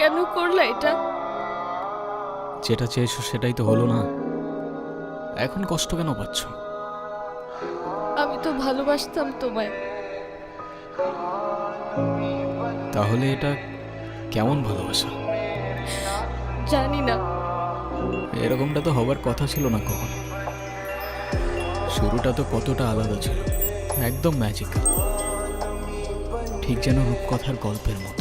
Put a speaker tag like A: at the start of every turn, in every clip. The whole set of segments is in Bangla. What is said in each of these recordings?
A: কেন করলা এটা?
B: যেটা চেয়েছো সেটাই তো হলো না, এখন কষ্ট কেন পাচ্ছ?
A: আমি তো ভালোবাসতাম তোমায়।
B: তাহলে এটা কেমন ভালোবাসা?
A: জানি না।
B: এরকমটা তো হবার কথা ছিল না কখনো। শুরুটা তো কতটা আলাদা ছিল, একদম ম্যাজিক্যাল, ঠিক যেন রূপকথার গল্পের মতো।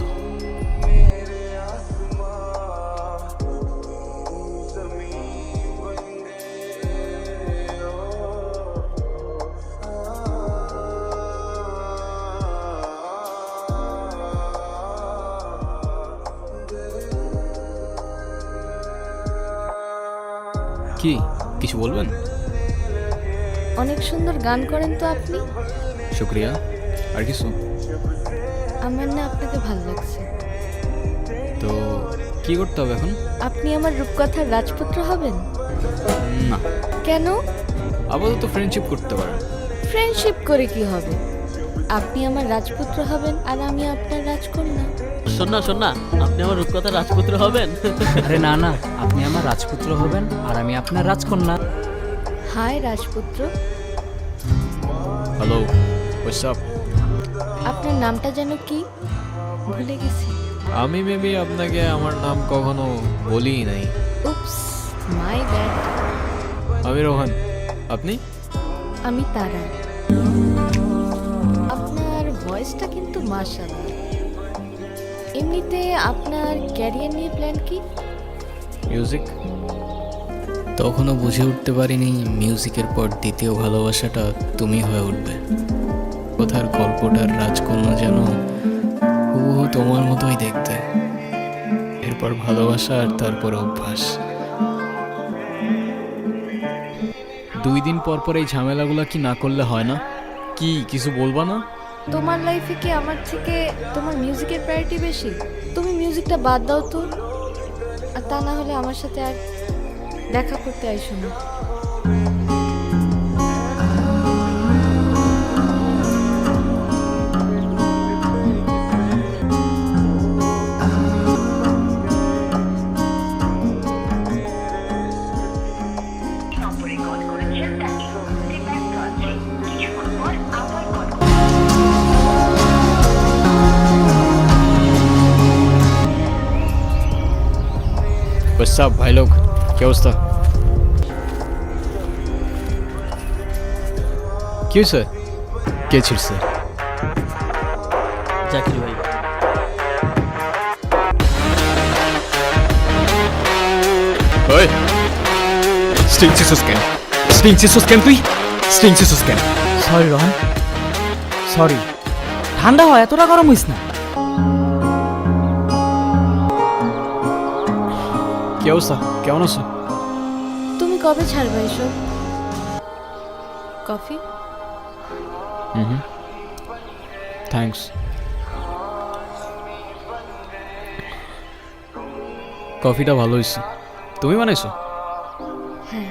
B: কি কিছু বলবেন?
A: অনেক সুন্দর গান করেন তো আপনি।
B: শুক্রিয়া। আর কিছু?
A: আমার না আপনাকে ভালো লাগছে।
B: তো কি করতে হবে এখন?
A: আপনি আমার রূপকথার রাজপুত্র হবেন?
B: না,
A: কেন?
B: আপাতত ফ্রেন্ডশিপ করতে পারেন।
A: ফ্রেন্ডশিপ করে কি হবে? আপনি আমার রাজপুত্র হবেন আর আমি আপনার রাজকন্যা।
C: শোন না, আপনি আমার রূপকথার রাজপুত্র হবেন।
D: আরে না না, আপনি আমার রাজপুত্র হবেন আর আমি আপনার রাজকন্যা।
A: হাই রাজপুত্র।
B: Hello, what's up?
A: আপনার নামটা যেন কি? ভুলে গেছি।
B: আমি মেবি আপনাকে আমার নাম কখনো বলিই নাই।
A: Oops, my bad.
B: আমি রোহান। আপনি?
A: আমি তারা। আপনার ভয়েসটা কিন্তু মাশাআল্লাহ। এমনিতে আপনার ক্যারিয়ার নিয়ে প্ল্যান কি?
B: মিউজিক। তখনও বুঝে উঠতে পারিনি মিউজিকের পর দ্বিতীয় ভালোবাসাটা তুমি হয়ে উঠবে। কোথার গল্পটার রাজকন্যা যেন হুবহু তোমার মতোই দেখতে। এরপর ভালোবাসা আর তারপর অভ্যাস। 2 দিন পর পর এই ঝামেলাগুলো কি না করলে হয় না? কি কিছু বলবা না?
A: তোমার লাইফে কি আমার থেকে তোমার মিউজিকের প্রায়োরিটি বেশি? তুমি মিউজিকটা বাদ দাও তো, আর তা না হলে আমার সাথে আর দেখা করতে আইসো না।
E: নম্বরে কল করেছেন তা এই মুহূর্তে ব্যস্ত আছে। কিছুক্ষণ পর আবার কল
B: What's up ভাই লোক, কি অবস্থা? কি হয়েছে? কে ছিড়ছে?
C: জাকির ভাই।
B: ওই স্টিং চিসুস কেন? স্টিং চিসুস কেন তুই? স্টিং চিসুস কেন?
D: Sorry Rohan, sorry. ঠান্ডা হয়, এতটা গরম হইস না।
B: কি অবস্থা, কেমন আছো?
A: তুমি কবে ছাড়বে এসব? কফি?
B: থ্যাঙ্কস। কফিটা ভালো হয়েছে। তুমি বানাইছো?
A: হ্যাঁ।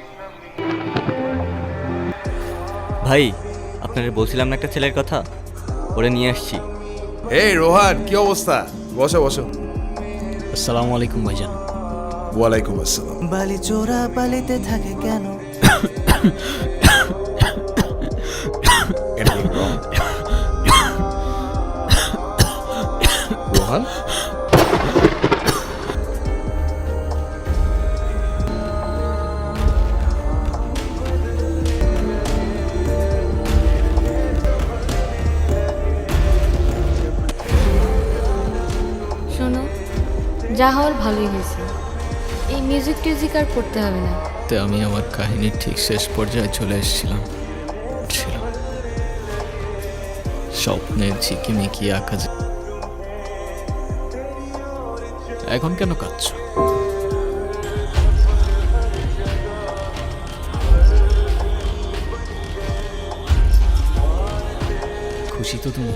F: ভাই, আপনারা বলছিলাম না একটা ছেলের কথা, ওরে নিয়ে আসছি।
G: এই রোহান, কি অবস্থা? বসো বসো।
B: আসসালামু আলাইকুম ভাইজান।
G: ওয়ালাইকুম আসসালাম।
H: বালি চোরা বালিতে থাকে কেন?
G: Anything wrong? রোহান,
A: শোনো, যা হওয়ার ভালোই হয়েছে। এই মিউজিক টিউজিক আর করতে হবে না।
B: তে আমি আমার কাহিনীর ঠিক শেষ পর্যায়ে চলে এসেছিলাম। স্বপ্নের ঝিকিমিকি আকাশ। এখন কেন কাঁদছো? খুশি তো তুমি?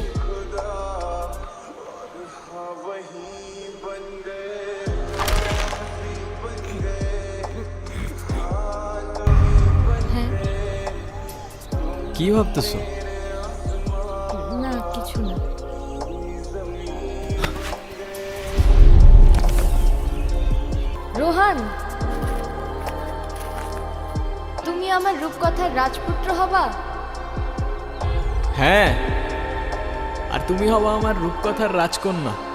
A: হ্যাঁ।
B: কি ভাবতেছো?
A: না, কিছু না। রোহান, তুমি আমার রূপকথার রাজপুত্র হবা?
B: হ্যাঁ, আর তুমি হবা আমার রূপকথার রাজকন্যা।